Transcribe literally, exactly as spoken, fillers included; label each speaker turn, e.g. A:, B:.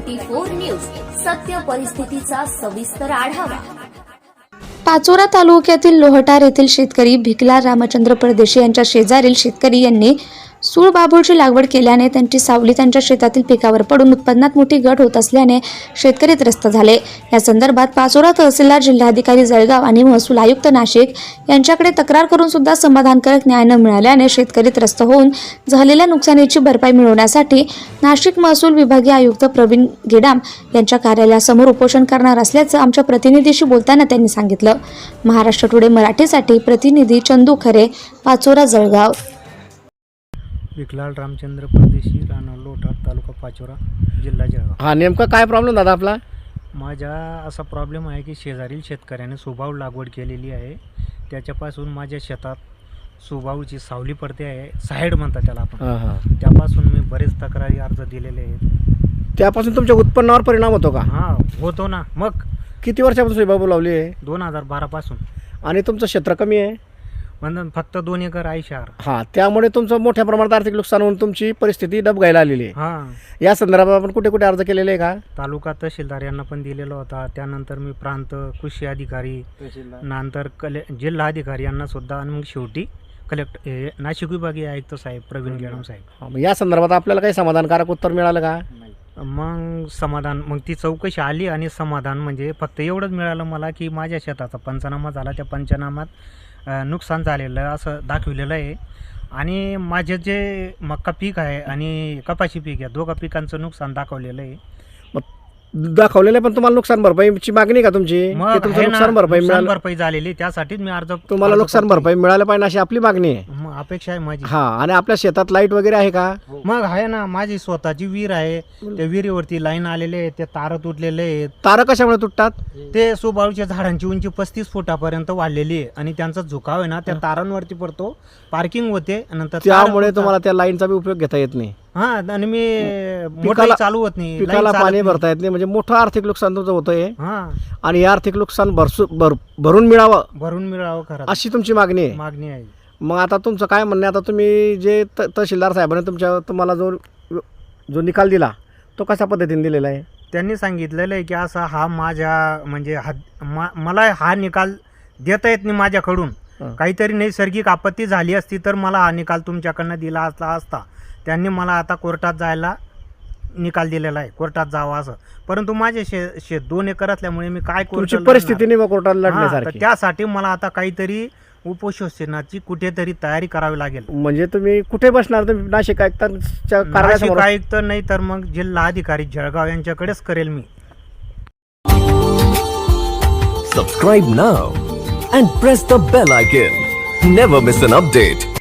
A: Twenty four news, सत्य परिस्थितीचा सविस्तर आढावा।
B: पाचोरा तालुक्यातील लोहटार येथील शेतकरी भिकला रामचंद्र परदेशी यांच्या शेजारील शेतकरी यांनी सूळबाबूळची लागवड केल्याने त्यांची सावली त्यांच्या शेतातील पिकावर पडून उत्पन्नात मोठी घट होत असल्याने शेतकरी त्रस्त झाले। या संदर्भात पाचोरा तहसीलदार, जिल्हाधिकारी जळगाव आणि महसूल आयुक्त नाशिक यांच्याकडे तक्रार करून सुद्धा समाधानकारक न्याय न मिळाल्याने शेतकरी त्रस्त होऊन झालेल्या नुकसानीची भरपाई मिळवण्यासाठी नाशिक महसूल विभागीय आयुक्त प्रवीण गेडाम यांच्या कार्यालयासमोर उपोषण करणार असल्याचं आमच्या प्रतिनिधीशी बोलताना त्यांनी सांगितलं। महाराष्ट्र टुडे मराठीसाठी प्रतिनिधी चंदू खरे, पाचोरा, जळगाव।
C: भिकलाल रामचंद्र परदेशी, राहणार लोटार, तालुका पाचोरा, जिल्हा जळगाव।
D: हा, नेमका काय प्रॉब्लेम दादा आपला?
C: माझा असा प्रॉब्लेम आहे की शेजारील शेतकऱ्याने सुबाऊळ लागवड केलेली आहे, त्याच्यापासून माझ्या शेतात सुबाऊची सावली पडते आहे, साईड म्हणतात त्याला आपण।
D: हां हां
C: त्यापासून मी बरेच तक्रारी अर्ज दिलेले आहेत।
D: त्यापासून तुमच्या उत्पन्नावर परिणाम होतो का?
C: हां, होतो ना। मग
D: किती वर्षापासून सुबाबू लावली आहे?
C: दोन हजार बारापासून।
D: आणि तुमचं क्षेत्र कमी आहे
C: म्हणजे फक्त दोन एकर आहे शहर।
D: हां, त्यामुळे तुमचं मोठ्या प्रमाणात आर्थिक नुकसान होऊन तुमची परिस्थिती डबघायला आलेली आहे।
C: हां,
D: या संदर्भात आपण कुठे कुठे अर्ज केलेले आहे का?
C: तालुका तहसीलदार यांना पण दिलेला होता, त्यानंतर मी प्रांत कृषी अधिकारी, नंतर कले जिल्हा अधिकारी यांना सुद्धा, आणि मग शेवटी कलेक्टर हे नाशिक विभागीय आयुक्त साहेब प्रवीण गेडाम साहेब।
D: हां, मग या संदर्भात आपल्याला काही समाधानकारक उत्तर मिळालं का?
C: मग समाधान, मग ती चौकशी आली आणि समाधान म्हणजे फक्त एवढंच मिळालं मला की माझ्या शेताचा पंचनामा झाला, त्या पंचनामात नुकसान झालेलं असं दाखविलेलं आहे, आणि माझे जे मक्का पीक आहे आणि कपाशी पीक आहे, दोघा पिकांचं नुकसान दाखवलेलं आहे।
D: दाखवलेलं आहे, पण तुम्हाला नुकसान भरपाईची मागणी का तुमची?
C: मग
D: तुमचं नुकसान भरपाई मिळालं,
C: भरपाई झालेली, त्यासाठीच मी अर्ज
D: तुम्हाला नुकसान भरपाई मिळालं पाहिजे अशी आपली मागणी आहे।
C: मग अपेक्षा आहे माझी।
D: हां, आणि आपल्या शेतात लाईट वगैरे आहे का?
C: मग आहे ना, माझी स्वतःची विहीर आहे, त्या विहिरीवरती लाईन आलेले आहेत, ते तार तुटलेले आहेत।
D: तारं कशामुळे तुटतात?
C: ते सुबाळूच्या झाडांची उंची पस्तीस फुटापर्यंत वाढलेली आहे, आणि त्यांचा झुकाव आहे ना त्या तारांवरती पडतो, पार्किंग होते, नंतर
D: त्यामुळे तुम्हाला त्या लाईनचा बी उपयोग घेता येत नाही।
C: हा, आणि मी
D: पिकाला
C: चालू होत नाही,
D: पिकाला पाणी भरता येत नाही, म्हणजे मोठं आर्थिक नुकसान तुमचं होतंय।
C: हा,
D: आणि हे आर्थिक नुकसान भरसू भर भरून मिळावं
C: भरून मिळावं खरं
D: अशी तुमची मागणी आहे।
C: मागणी आहे।
D: मग आता तुमचं काय म्हणणं आहे? आता तुम्ही जे त तहसीलदार साहेबांनी तुमच्या तुम्हाला जो जो निकाल दिला तो कशा पद्धतीने दिलेला आहे?
C: त्यांनी सांगितलेलं आहे की असा हा माझ्या म्हणजे हा मा, मला हा निकाल देता येत नाही माझ्याकडून, काहीतरी नैसर्गिक आपत्ती झाली असती तर मला हा निकाल तुमच्याकडनं दिला असला असता। त्यांनी मला आता कोर्टात जायला निकाल दिलेला आहे, कोर्टात जावं असं, परंतु माझे शे शेत दोन एकर असल्यामुळे मी काय
D: तुमची परिस्थिती नाही कोर्टात लढण्यासारखी,
C: त्यासाठी मला आता काहीतरी उपोषणाची कुठेतरी तयारी करावी लागेल।
D: म्हणजे तुम्ही कुठे बसणार? तुम्ही नाशिक आयुक्तांच्या
C: नाशिक आयुक्त नाही तर मग जिल्हा अधिकारी जळगाव यांच्याकडेच करेल मी।
E: Subscribe now and press the bell icon. Never miss an update.